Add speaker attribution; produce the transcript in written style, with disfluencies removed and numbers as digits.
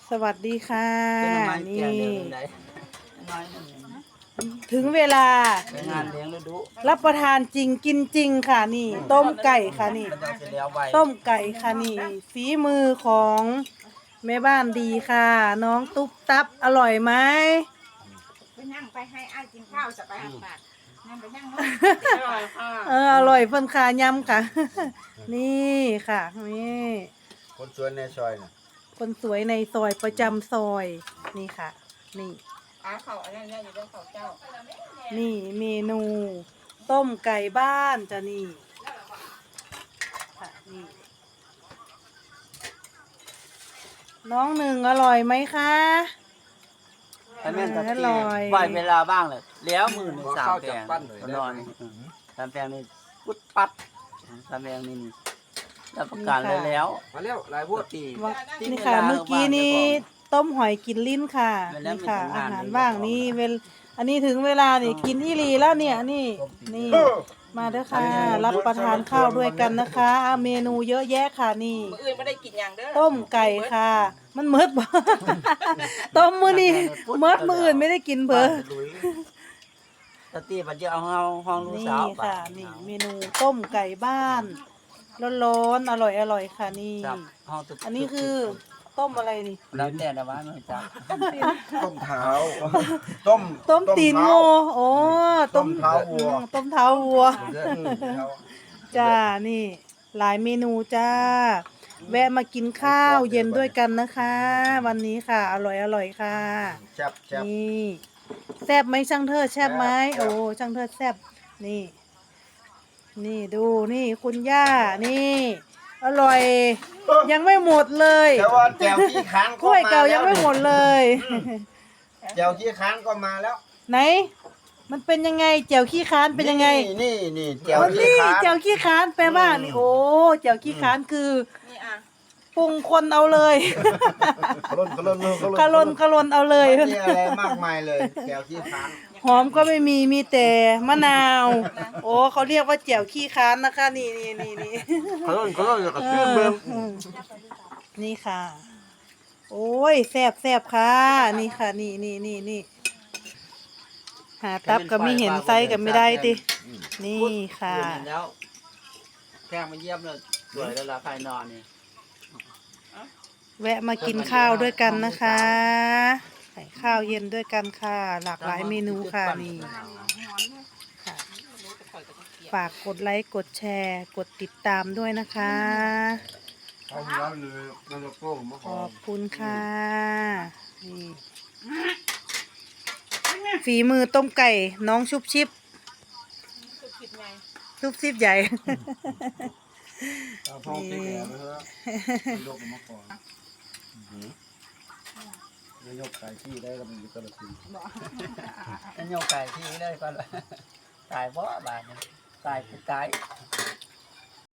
Speaker 1: สวัสดีค่ะนี่
Speaker 2: น้อย
Speaker 1: ถึงเวลา
Speaker 2: ไปงานเลี้ยงฤดู
Speaker 1: รับประทานจริงกินจริงค่ะนี่ ต้มไก่ค่ะนี่
Speaker 2: มันต้องเสร็จแล้วไว
Speaker 1: ต้มไก่ค่ะนี่ฝีมือของแม่บ้านดีค่ะ น้องตุ๊บตับอร่อยไหม
Speaker 3: ไปนั่งไปให้อ้ายกินข้าวจะไปหักบาทนั่งไปนั่งอร่อยค่ะ
Speaker 1: อร่อยเพิ่นค่ะยำค่ะ นี่ค่ะนี่
Speaker 4: คนสวนในซอยน่ะ
Speaker 1: คนสวยในซอยประจำซอยนี่ค่ะ นี่
Speaker 3: อาเขาอันนั้นอยู่ด้วยเขาเจ้า
Speaker 1: นี่เมนูต้มไก่บ้านจ้ะนี่ค่ะนี่น้องหนึ่งอร่อยไหมคะ
Speaker 2: ถ้าแม่นตะ
Speaker 1: อ
Speaker 2: กี้
Speaker 1: ร่อย
Speaker 2: ปล่อยเวลาบ้างเลยแล้วมือหนึ่งสามแปลงนอนสามแปลงนี่กุดปัดสามแปลงนี่รับประกันเลยแล้ว
Speaker 4: มาแล้วหลายพวก
Speaker 2: ตี
Speaker 1: ว่านี่ค่ะเมื่อกี้นี้ต้มหอยกินลิ้นค่ะนี่ค่ะอาหารว่างนี่อันนี้ถึงเวลานี่กินอีหลีแล้วเนี่ยนี่มาเด้อค่ะรับประทานข้าวด้วยกันนะคะเมนูเยอะแยะค่ะนี่
Speaker 3: มื้ออื่นไม่ได้กินอย่างเด้อ
Speaker 1: ต้มไก่ค่ะ มันมืดบ่ ต้มมื้อนี้มืดมื้ออื่นไม่ได้กินเบอ
Speaker 2: ตะตีบัดเดียวเอาห้องลูก
Speaker 1: นี่
Speaker 2: สาว
Speaker 1: ค่ะนี่เมนูต้มไก่บ้านร้อนๆอร่อยค่ะนี่
Speaker 2: จับห้องตุก
Speaker 1: อันนี้คือต้มอะไรนี่
Speaker 2: แล้วแต่นะว่าไม่จับ
Speaker 4: ต้มเท้าต้ม
Speaker 1: ต้มตีน
Speaker 4: เท้า
Speaker 1: โง่โอ้
Speaker 4: ต้มเท้าวัว
Speaker 1: ต้มเท้าวัว
Speaker 4: เท้า
Speaker 1: จ้านี่ หลายเมนูจ้า แวะมากินข้าวเย็นด้วยกันนะคะ วันนี้ค่ะ อร่อยค่ะ
Speaker 4: แซ่บแซ่บ
Speaker 1: นี่แซ่บไหมช่างเทิดแซ่บไหม
Speaker 4: แซ่บ
Speaker 1: โอ้ช่างเทิดแซ่บนี่ นี่ดูนี่คุณย่านี่ อร่อย ยังไม่หมดเลย
Speaker 4: แต่ว่าแจวขี้ค้าง
Speaker 1: กล้วยเก่ายังไม่หมดเลย
Speaker 4: แจวขี้ค้างก็มาแล้ว
Speaker 1: ไหน มันเป็นยังไงแจ่วขี้ค้านเป็นยังไง
Speaker 4: นี่แจว
Speaker 1: อ๋อ
Speaker 4: ขี้
Speaker 1: นี่
Speaker 4: ค้าง
Speaker 1: แจ่วขี้ค้านแปลว่านี่โอ้แจ่วขี้ค้านคือ
Speaker 3: นี่อ่ะ
Speaker 1: ปรุงคนเอาเลย
Speaker 4: กระล่น
Speaker 1: กะลนเอาเลย
Speaker 4: ไม่มีอะไรมากมายเลยแจวขี้ค้าง
Speaker 1: หอมก็ไม่มีมีแต่มะนาว โอ้เขาเรียกว่าแจ่วขี้ค้านนะคะ นี่
Speaker 4: กระล่นกับชื่อเมือง
Speaker 1: นี่ค่ะ โอ้ยแซ่บค่ะ นี่ค่ะ นี่หาตับก็ไม่เห็นไซส์ก็ไม่ได้ตินี่ค่ะ
Speaker 2: แล้วแข้งมาเยี่ยมเลยสวยแล้วล่ะใครนอนนี่
Speaker 1: แวะมากินข้าวด้วยกันนะคะใส่ข้าวเย็นด้วยกันค่ะ หลากหลายเมนูค่ะนี่ค่ะ ฝากกดไลค์กดแชร์กดติดตามด้วยนะคะ
Speaker 4: เอาแล้วเลยเราจะโป้งมา
Speaker 1: ขอบคุณค่ะนี่ฝีมือต้มไก่น้องชุบชิบ
Speaker 3: คือคิดไง
Speaker 1: ชุบชิบใหญ่
Speaker 4: เอาพองตีแก่ไปเถอะยกมาก่อนยกไก่ที่ได้ก็มันอยู่กระสิน
Speaker 2: นั่นโยกไก่ที่ได้ก็เลยตายเพราะบาดเนี่ยตายคือตาย